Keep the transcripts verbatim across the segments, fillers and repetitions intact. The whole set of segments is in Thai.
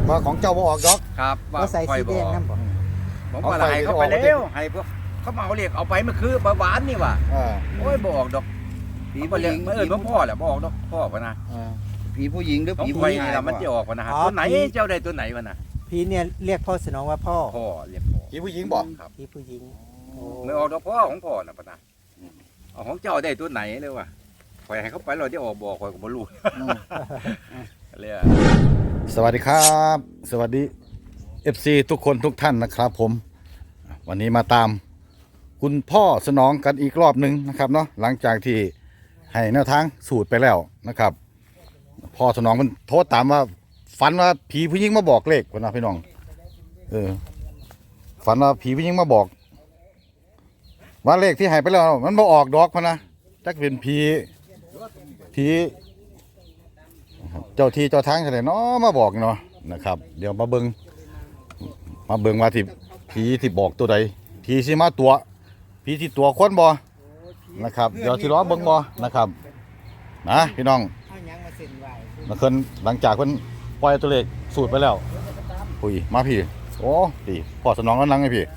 ว่าของเจ้าบ่ออกดอกครับว่าเขาใส่สีแดงนั่นบ่ผมว่าให้เขาไปแล้วให้พวกเขามาเอาเรียกเอาไปเมื่อคืนปลาหวานนี่ว่ะเออโอ้ยบ่ออกดอกผีบ่เรียกเออบ่พ่อแหละบ่ออกดอกพ่อปะนะเออผีผู้หญิงหรือของผีไฟผู้ชานี่ยล่ะมันจะออกปะนะฮะตัวไหนเจ้าได้ตัวไหนวะนะผีเนี่ยเรียกพ่อสนองว่าพ่อพ่อเรียกพ่อผีผู้หญิงบอกครับผีผู้หญิงโอ้ไม่ออกดอกพ่อของพ่อน่ะปะนะเอาของเจ้าได้ตัวไหนเลยว่ะข่อยให้เขาไปเราจะออกบ่ข่อยก็บ่รู้เลยอ่ะสวัสดีครับ สวัสดี เอฟ ซี ทุกคนทุกท่านนะครับผมวันนี้มาตามคุณพ่อสนองกันอีกรอบหนึ่งนะครับเนาะหลังจากที่ให้แนวทางสูตรไปแล้วนะครับพ่อสนองมันโทษตามว่าฝันว่าผีผู้หญิงมาบอกเลขคนนะพี่น้องเออฝันว่าผีผู้หญิงมาบอก ว่าเลขที่ให้ไปแล้วมันมาออกดอกพะนะจักเป็นผีผีนะครับเจ้าที่เจ้าทางอะไรเนาะมาบอกเนาะนะครับ เดี๋ยวมาเบิงมาเบิงว่าที่ผีที่บอกตัวใดผีสิมาตัวผีที่ตัวคนบ่นะครับเดี๋ยวสิล้อเบิงบ่นะครับนะพี่น้องเอาหยังมาเซ็นไว้มาเพิ่นหลังจากเพิ่นปล่อยตัวเลขสูตรไปแล้วปุ้ยมาพี่โอ้พี่พ่อสนองกำลังไงพี่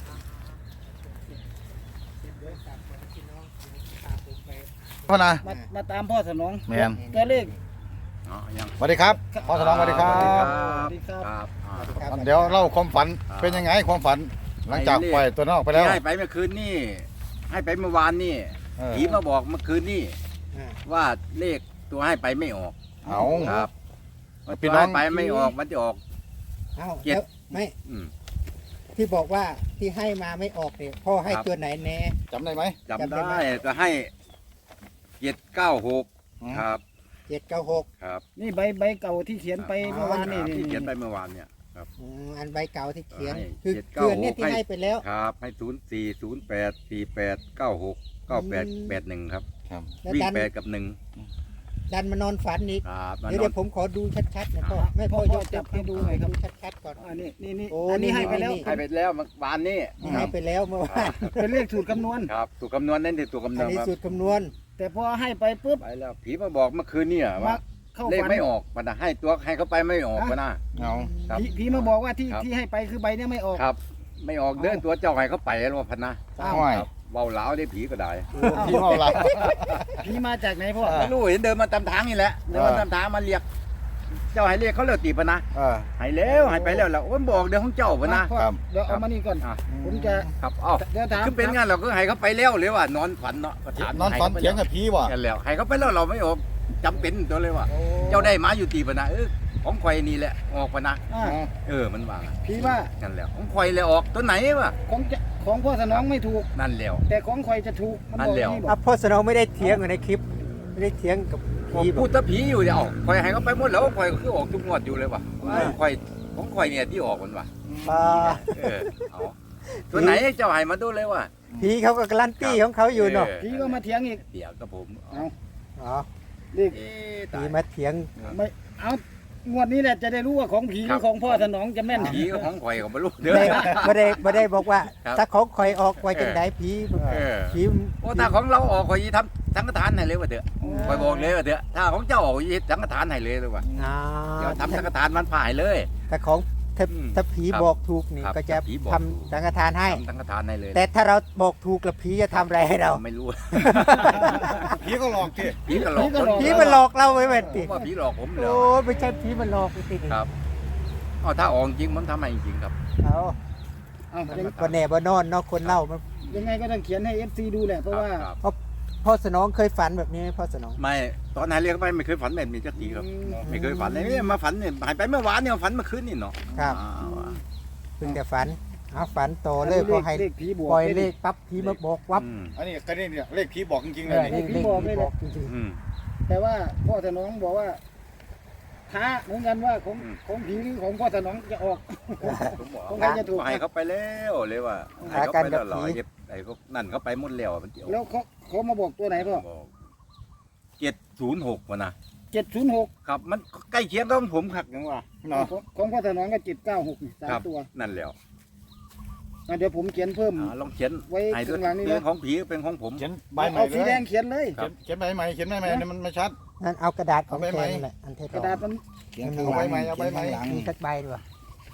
พ่อนะมามาตามพ่อสนองแมนตัวเลขอ๋อยังสวัสดีครับพ่อสนองสวัสดีครับสสวัวัสสดีดีคครัรับบ ครับอ่าเดี๋ยวเล่าความฝันเป็นยังไงความฝัน หลังจากปล่อยตัวนอกไปแล้วที่ให้ไปเมื่อคืนนี่ให้ไปเมื่อวานนี่เออผีมาบอกเมื่อคืนนี่อ่าว่าเลขตัวให้ไปไม่ออกเอาครับว่าพี่ตัวน้องให้ไปไม่ออกมันจะออกเอ้าเจ็ดแล้วไม่อืมที่บอกว่าที่ให้มาไม่ออกเนี่ยพ่อให้ครับตัวไหนแน่จำได้ไหมจำจำได้ได้ไหมก็ให้เจ็ดเก้าหกอืมครับเจ็ดเก้าหกครับนี่ใบใบเก่าที่เขียนไปเมื่อวานนี่ครับนี่ที่เขียนไปเมื่อวานเนี่ยครับอันใบเก่าที่เขียนให้คือเจ็ดเกเก้าลือนเนี่ยหกที่ให้ให้ไปแล้วครับให้ศูนย์สี่ศูนย์แปดสี่แปดเก้าหกเก้าแปดแปดหนึ่งครับครับแล้ววิ่งดันแปดกับหนึ่งดันมานอนฝันอีกครับมานเดี๋ยวอเดี๋นยวผมขอดูชัดๆนะพ่อไม่พ่อยกจับให้ดูหน่อยครับชัดๆก่อนอันนี้นี่นี่โอ้อันนี้นี่ให้ไปแล้วนี่ให้ไปแล้วเมื่อวานนี่นี่ให้ไปแล้วเมื่อวานเป็นเลขสูตรคำนวณครับถูกคำนวณนั่นคือตัวคำนอัวน ณนี้ครับสูตรคำนวณแต่พอให้ไปปุ๊บไปแล้วผีมาบอกเมื่อคืนเนี่ยมาว่าเข้าเลขฝันไม่ออกมันนะให้ตัวให้เขาไปไม่ออกมันนะเอาครับผีผีมาบอกว่าที่ครับที่ให้ไปคือใบเนี้ยไม่ออกครับ ไม่ออกเดินตัวเจ้าให้เขาไปแล้วว่าพันนะอ้าวห้อยครับเบาเหลาได้ผีก็ได้พี่เมาหลับผีมาจากไหนพ่อไม่รู้เห็นเดินมาตามทางนี่แหละเดินมาตามทางมาเรียก เจ้าให้เรียกเขาเรียกตีปะนะเออให้แล้วให้ไปแล้วแล้วโอ้ยบอกเดี๋ยวของเจ้าปะนะพ่อครับเดี๋ยวเอามานี่ก่อนอ่ะผมจะครับเอ้าเดี๋ยวถามคือเป็นงานเราก็ให้เขาไปแล้วหรือว่านอนฝันเนาะก็ถามนอนฝันเถียงกับผีว่ะกันแล้วให้เขาไปแล้วเราไม่ออกจำเป็นตัวเลยว่าโอ้เจ้าได้มาอยู่ตีปะนะเออของข่อยนี่แหละออกปะนะอ่าเออมันว่าผีว่านั่นแหละของข่อยเลยออกตัวไหนวะของจะของพ่อสนองไม่ถูกนั่นแล้วแต่ของคอยจะถูกมันนั่บนอกแล้วนี่บออ่ะกพ่อสนองไม่ได้เถียงอยู่ในคลิปไม่ได้เถียงกับผมผีบพูอดกถ้าผีอยู่เนี่ยเอาข่อยให้เขาไปหมดแล้วข่อยก็คือออกทุกงวดอยู่เลยว่ะข่อยของข่อยเนี่ยที่ออกมันว่ะอ่าเออเอาตัวไหนเจ้าให้มาดูเลยว่ะผีเขาก็การันตีของเขาอยู่เนาะผีก็มาเถียงอีกเดี๋ยวกับผมเอาอ๋อเลขเอ๊ะตาผียมาเถียงไม่เอางวดนี้แหละจะได้รู้ว่าของผีหครัรืบอของพ่อสนองจะแม่นผีก็ของข่อยก็ไม่รู้เด้อไม่ไม่ได้ไม่ได้บอกว่าครับถ้าของคอยออกไว้จังไดผีเออผีโอ้ถ้าของเราออกข่อยทำสังฆทานให้เลยว่าเถอะข่อยบอกเลยว่าเถอะถ้าของเจ้าออกข่อยสังฆทานให้เลยเลยว่ะอ่าเดี๋ยวทำสังฆทานมันผ่ายเลยแต่ของถ้าอืมถ้าผีครับบอกถูกนี่ครับก็จะถ้าผีบอกทำถูกสังฆทานให้ทำสังฆทานให้เลยแต่ถ้าเราบอกถูกแล้วผีจะทำอะไรให้เราไม่รู้ผีก็หลอกทีผีก็หลอกผีมันหลอกเราไว้แบบผติมว่าผีหลอกผมเหรโอ้อไม่ใช่ผีมันหลอกไปติครับเอาถ้าออกจริงผมทำให้จริงครับเอาเอายังก็แน่บ่นอนเนาะคนเล่ามันยังไงก็ต้องเขียนให้เอฟซีดูแหละเพราะว่าครับพ่อสนองเคยฝันแบบนี้ไหมพ่อสนองไม่ตอนไหนเรียกไปไม่เคยฝันแบบนี้จักทีครับอืมไม่เคยฝันเลยเนี่ยมาฝันเนี่ยหายไปเมื่อวานเนี่ยฝันเมื่อคืนนี่เนาะครับอ้าวอ่ะเพิ่งแต่ฝันเอาฝันโตเลยพอให้เลขผีบวกปล่อยเลขปั๊บผีมาบอกวับอืมอันนี้ก็นี่เนี่ยเลขผีบอกจริงๆเลเอย อนี่เลขเลขผีบอกจริงอืมแต่ว่าพ่อสนองบอกว่าท้าเหมือนกันว่าของอืมของผีหรือของพ่อสนองจะออกผมบอกของใครจะถูกให้เขาไปแล้วเลยว่าให้เขาไปแล้วเหรอไอ้พวกนั่นเขาไปหมดแล้วมันเดี๋ยวแล้วเขาเขามาบอกตัวไหนพ่อเจ็ดศูนย์หกวะนะเจ็ดศูนย์หกครับ มันใกล้เคียงกับของผมครับยังว่าเนาะของพ่อสนองก็เจ็ดเก้าหกสาครัมบตัวนั่นแล้วอ่ะเดี๋ยวผมเขียนเพิ่มอ่าลองเขียนไว้ให้ด้วยข้างหลังนี่นะเป็นของผีเป็นของผมเขียนใบใหม่เอาเลสียแดงเขียนเลยครับเขียนใบใหม่เขียนใบใหม่เนี่ยมันไม่ชัดๆนั่นเอากระดาษของเอาไปแทไหมนนั่นแหละอันเทศกระดาษมันเขียนข้างหลังเอาไว้ไหมเอาไว้ไหมเขียนข้างหลังมีสักใบด้วย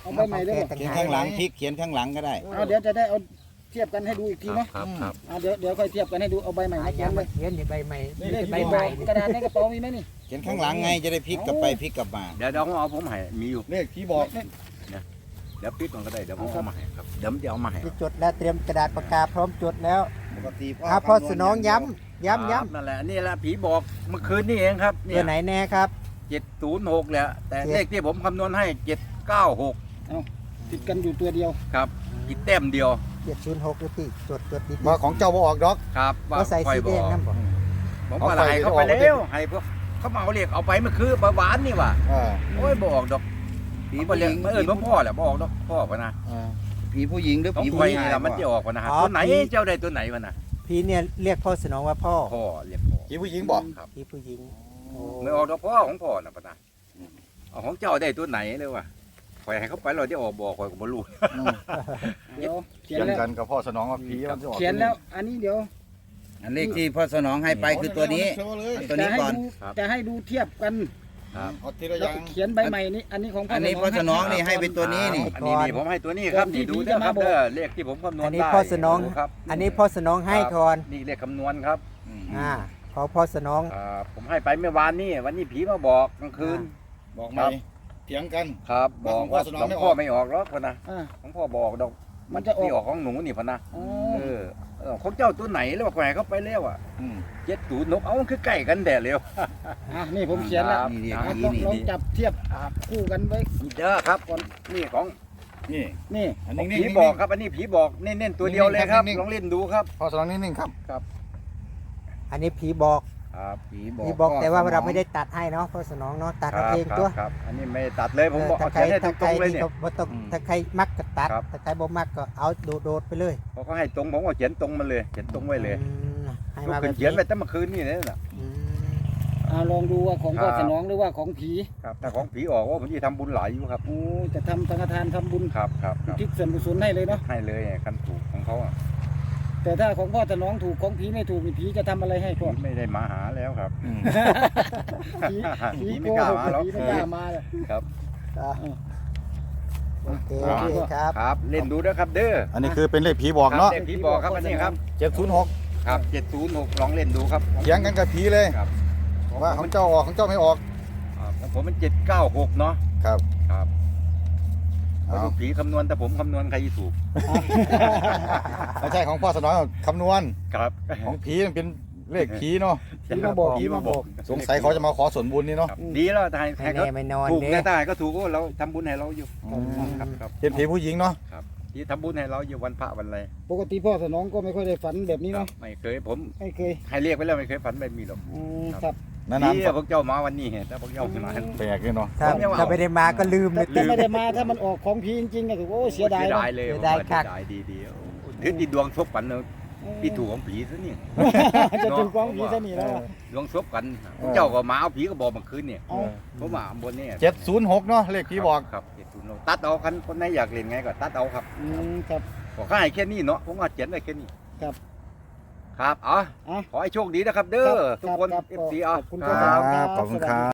เอาใบใหม่เลยบ่เขียนข้างหลังพลิกเขียนข้างหลังก็ได้เอาเดี๋ยวจะได้เอาเทียบกันให้ดูอีกทีเนาะครับครับเอาเดี๋ยวเดี๋ยวค่อยเทียบกันให้ดูเอาใบใหม่มาเขียนเลยเขียนใบใหม่นี่เลขใบที่ใหบม่อกกระดาษในกระเป๋ามีไหมนี่เขียนข้างหลังไงจะได้พลิกกลับไปพลิกกลับมาเดี๋ยวเดี๋ยวผมเอาผมให้มีอยู่เลขผีบอกเดี๋ยวปิดมันก็ได้เดี๋ยวผมเอามาให้ครับเดี๋ยวผมจะเอามาให้ที่จดแล้วเตรียมกระดาษปากกาพร้อมจดแล้วปกติอ่ะพ่อสนองย้ำย้ำครัย้บนั่นแหละนี่แหละผีบอกเมื่อคืนนี่เองครับำเนี่ตัวย ไหนแน่ครับเจ็ดศูนย์หกแหละแต่เจ็ดเลขที่ผมคำนวณให้เจ็ดเก้าหกติดกันอยู่ตัวเดียวครับอีกแต้มเดียวเจ็ดศูนย์หกหรือพี่จดจดดีๆว่าของเจ้าบ่ออกดอกครับก็ใส่ค่อยสีบแดอง กนั่นบ่ผมว่าให้เขาไปแล้วให้พวกเขามาเอาเลขเอาไปเมื่อคืนประวานนี่ว่ะอ่าโอ้ยบอกดอกผีผีผู้บ่หเรีญิยกงเออหลวงพ่อแหละบอกดอกพ่อปะนะอ่าผีผู้หญิงหรือต้องผีคผู้อยชายนี่ละมันจะออกปะนะฮะตัวไหนเจ้าใดตัวไหนวะนะพี่เนี่ยเรียกพ่อสนองว่าพ่อพ่อเรียกพ่อผีผู้หญิงบอกครับพี่ผู้หญิงโอ้ไม่ออกดอกพ่อของพ่อนะปะนะเอาของเจ้าได้ตัวไหนเลยวะคอยให้เขาไปเราจะออกบอกคอยก็บ่รู้อืมเดี๋ยวเขีเขียยนนแล้วกันกับพ่อสนองว่าผีมันจะออกเขียนแล้ว อันนี้เดี๋ยวอันเลขที่พ่อสนองให้ไปคือตัวนี้โชว์เลยเอาตัวจะนี้ให้ก่อนดูจะให้ดูเทียบกันครับเอาทีละอแล้วย่างเขียนใบใหม่นี้อันนี้ของพ่ออันนี้พ่อสนองนี่ให้เป็นตัวนี้นี่อันนี้นี่ผมให้ตัวนี้ครับนี่ดูเด้อครับเด้อเลขที่ผมคำนวณอันได้นี้พ่อสนองดูครับอันนี้พ่อสนองให้ก่อนนี่เลขคำนวณครับอ่าขอพ่อสนองอ่าผมให้ไปเมื่อวานนี่วันนี้ผีมาบอกกลางคืนบอกไหมเถียงกันครับบอกของพ่อว่าสนองหลวงไม่ออกพ่อไม่ออกหรอกพะนะอ่าของพ่อบอกดอกมันจะออกที่ออกของหนูนี่พะนะอ๋อเออเออของเจ้าตัวไหนแล้วว่าแขวนเขาไปแล้วอ่ะอืมเจ็ดศูนย์นกเอามันคือใกล้กันแดดเร็วอ่ะนี่ผมเขียนแล้วนี่นี่อ่ะผีลองนี่ลองจับเทียบคู่กันไว้นี่เด้อครับก่อนนี่ของนี่นี่อันขอนี้งนี่ผีบอกครับอันนี้ผีบอกเน้นๆตัวเดียวเลยครับนิ่งๆลองเล่นดูครับพ่อสนองนิ่งๆครับอันนี้ผีบอกครับผีบอกผีบอกพ่แต่ว่าสนองเราไม่ได้ตัดให้เนาะพ่อสนองเนาะตัดครัเอาบเองคตัวรับครับอันนี้ไม่ตัดเลยผมบอกถ้าเอาใครเขียนให้ตถ้าใครรงๆเลยนี่เนี่ยก็บ่ต้องอืมถ้าใครมักก็ตัดครับถ้าใครบ่มักก็เอาโดดโดดๆไปเลยพอเขาให้ตรงผมก็เขียนตรงมาเลยเขียนตรงไว้เลยอืมให้ลูกมาขึ้แบนบเขียนนี้ไว้ตั้งเมื่อคืนนี่เลยน่ะอืมอ่าลองดูว่าของพ่อครับสนองหรือว่าของผีครับถ้าของผีออกว่าผมจะทำบุญหลายอยู่ครับโอ้จะทำสังฆทานทำบุญครับครับครับทิศส่วนกุศลให้เลยเนาะให้เลยคันถูกของเขาอ่ะแต่ถ้าของพ่อสนองถูกของผีไม่ถูกนี่ผีจะทำอะไรให้พ่อผีไม่ได้มาหาแล้วครับอืมผีผีผีไม่โกกล้าหกมาหรอกผีไม่กล้ามาเลยครับอ่ะโอเคโอเคครับครับเล่นดูนะครับเด้ออันนี้คือเป็นเลขผีบอกเนาะครับเลขผีบอกครับอันนี้ครับเจ็ดศูนย์หกครับเจ็ดศูนย์หกลองเล่นดูครับเถียงกันกับผีเลยครับว่าของเจ้าออกของเจ้าไม่ออกของผมมันเจ็ดเก้าหกเนาะครับครับเอาลูกผีคำนวณแต่ผมคำนวณใครจะถูกไม่ใช่ของพ่อสนองคำนวณครับของผีมันเป็นเลขผีเนาะผีมาบอกผีมาบอกสงสัยเขาจะมาขอส่วนบุญนี่เนาะครับดีแล้วทายไม่ให้เขาแน่ไม่นอนถูกเด้แน่ตายก็ถูกก็เราทำบุญให้เราอยู่อืมครับครับเป็นผีผู้หญิงเนาะที่ทำบุญให้เราอยู่วันพระวันอะไรปกติพ่อสนองก็ไม่ค่อยได้ฝันแบบนี้ครัเนาะบไม่เคยผมไม่เคยให้เรียกไปแล้วไม่เคยฝันแบบนี้หรอกอืมครับนานดีๆอะพวกเจ้ามาวันนี้แต่พวกเจ้าไม่มาแปลกเลยเนาะถ้าผมยังว่าถ้าไม่ได้มาก็ลืมเลแต่ยแต่ไม่ได้มาถ้ามันออกของผีจริงๆก็ถือว่าโอ้เสียดายเสียเนาะดายเลยเสียดายผมคัว่าก เสียดายดีดีๆถือติดดวงซบกันเนอะพี่ถูกของผีซะนี่จะถึงของผีซะนี่แล้วอะดวงซบกันพวกเจ้าก็มาเอาผีก็บอกเมื่อคืนเนี่ยเอาผมมาบนนี่เจ็ดศูนย์หกเนาะเลขผีบอกครับเจ็ดศูนย์ตัดเอาคันคนไหนอยากเล่นไงก็ตัดเอาครับอืมครับบอกให้แค่นี้เนาะผมว่าเขียนได้แค่นี้ครับครับอ๋ออ่ะขอให้โชคดีนะครับ เด้อทุกคนรับเอรับฟซีขอ่ะอบคุณคพ่อรัสนองครับบขอบคุณครับ